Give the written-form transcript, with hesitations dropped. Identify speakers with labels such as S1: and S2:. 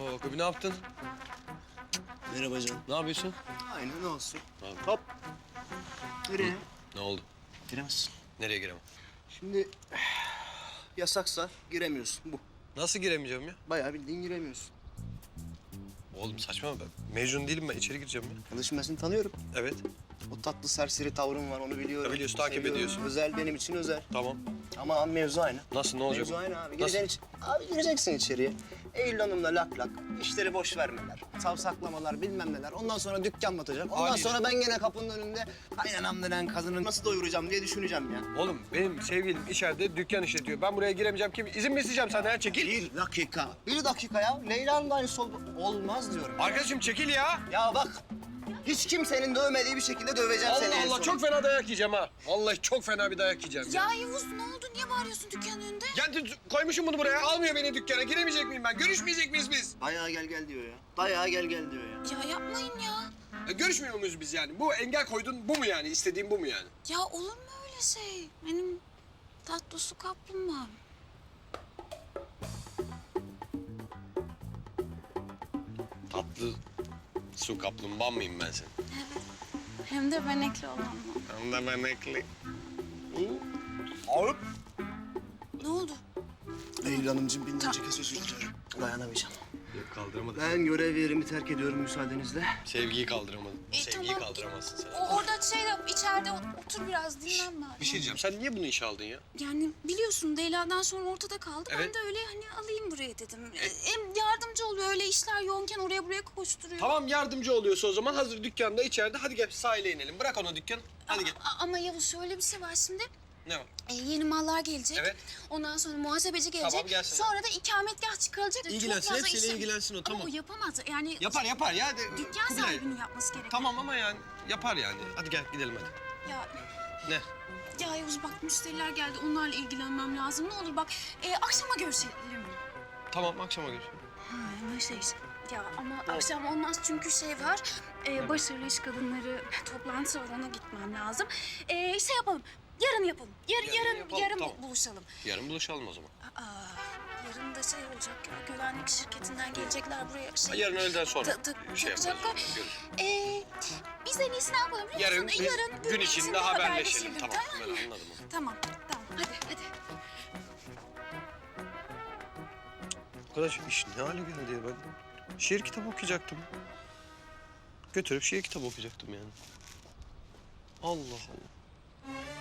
S1: Oo, Kobi ne yaptın?
S2: Merhaba canım.
S1: Ne yapıyorsun?
S2: Aynen ne olsun.
S1: Abi.
S2: Hop. Nereye?
S1: Ne oldu?
S2: Giremezsin.
S1: Nereye giremem?
S2: Şimdi yasaksa giremiyorsun bu.
S1: Nasıl giremeyeceğim ya?
S2: Bayağı bildiğin giremiyorsun.
S1: Oğlum saçma mı ben? Mecnun değilim ben. İçeri gireceğim ya.
S2: Kardeşim ben seni tanıyorum.
S1: Evet.
S2: O tatlı serseri tavrın var onu biliyorum.
S1: Ya biliyorsun, takip
S2: Seviyorum.
S1: ediyorsun.
S2: Özel benim için özel.
S1: Tamam.
S2: Ama mevzu aynı.
S1: Nasıl, ne olacak?
S2: Mevzu aynı abi.
S1: Nasıl?
S2: Abi gireceksin içeriye. Eylül Hanım'la lak lak. İşleri boş vermeler. Savsaklamalar bilmem neler. Ondan sonra dükkan batacak. Ondan
S1: Haliyle.
S2: sonra ben gene kapının önünde kaynanam denen kadını nasıl doyuracağım diye düşüneceğim ya.
S1: Oğlum benim sevgilim içeride dükkan işletiyor. Ben buraya giremeyeceğim. Kim? İzin mi isteyeceğim senden ya? Çekil.
S2: Bir dakika. Bir dakika ya. Leyla'nın da aynısı olmaz diyorum.
S1: Arkadaşım çekil ya.
S2: Ya bak. Hiç kimsenin dövmediği bir şekilde döveceğim seni.
S1: Allah
S2: en
S1: Allah
S2: son.
S1: çok fena dayak yiyeceğim ha. Vallahi çok fena bir dayak yiyeceğim ya.
S3: Ya Yavuz ne oldu? Niye bağırıyorsun dükkanın önünde?
S1: Ya koymuşum bunu buraya. Almıyor beni dükkana. Giremeyecek miyim ben? Görüşmeyecek miyiz biz?
S2: Dayağa gel gel diyor ya. Dayağa gel gel diyor ya.
S3: Ya yapmayın ya.
S1: Görüşmüyor muyuz biz yani? Bu engel koydun bu mu yani? İstediğin bu mu yani?
S3: Ya olur mu öyle şey? Benim tatlı su kaplumbağam.
S1: Tatlı su kaplumbağa mıyım ben senin?
S3: Evet. Hem de benekli olan mı?
S1: Hem de memekli.
S2: Alıp.
S3: Ne oldu?
S2: Eylül Hanımcığım binlerce kez özür dilerim. Dayanamayacağım.
S1: Yok kaldıramadım.
S2: Ben görev yerimi terk ediyorum müsaadenizle.
S1: Sevgiyi kaldıramadım. Sevgiyi
S3: Tamam.
S1: kaldıramazsın sen.
S3: Orada içeride otur biraz dinlenme.
S1: Bir şey diyeceğim. Sen niye bunu işe aldın ya?
S3: Yani biliyorsun Leyla'dan sonra ortada kaldı.
S1: Evet.
S3: Ben de öyle hani alayım buraya dedim. Hem yardımcı oluyor öyle işler yoğunken oraya buraya koşturuyor.
S1: Tamam yardımcı oluyorsa o zaman hazır dükkanda içeride. Hadi gel sahile inelim. Bırak ona dükkan. Hadi gel.
S3: Ama Yavuz şöyle bir şey var şimdi.
S1: Ne var?
S3: Yeni mallar gelecek.
S1: Evet.
S3: Ondan sonra muhasebeci gelecek.
S1: Tamam, gelsin.
S3: Sonra da ikametgah çıkarılacak.
S1: İlgilensin,
S3: Çok fazla
S1: hepsiyle
S3: işlem-
S1: ilgilensin o, tamam.
S3: Ama o yapamaz. Yani
S1: Yapar ya.
S3: dükkan
S1: Kubilay.
S3: sahibinin yapması gerekiyor.
S1: Tamam ama yani yapar yani. Hadi gel gidelim hadi.
S3: Ya,
S1: Ne?
S3: ya Yavuz bak müşteriler geldi. Onlarla ilgilenmem lazım. Ne olur bak akşama görüşelim.
S1: Tamam akşama görüşelim.
S3: Ama ya ama akşam olmaz çünkü şey var. Başarılı iş kadınları toplantısı var. Ona gitmem lazım. Şey yapalım. Yarın yapalım. Yarın
S1: tamam.
S3: buluşalım.
S1: Yarın buluşalım o zaman.
S3: Yarın da şey olacak ya, güvenlik şirketinden gelecekler buraya. Şey,
S1: Yarın öğleden sonra şey
S3: takacaklar.
S1: yaparız. Görüşürüz.
S3: Biz en iyisi ne yapalım biliyor
S1: Yarın
S3: musun?
S1: biz gün içinde haberleşelim. Tamam ben anladım onu.
S3: Tamam. Hadi.
S1: Arkadaş iş ne hale geldi ya ben? Şiir kitabı okuyacaktım. Götürüp şiir kitabı okuyacaktım yani. Allah Allah.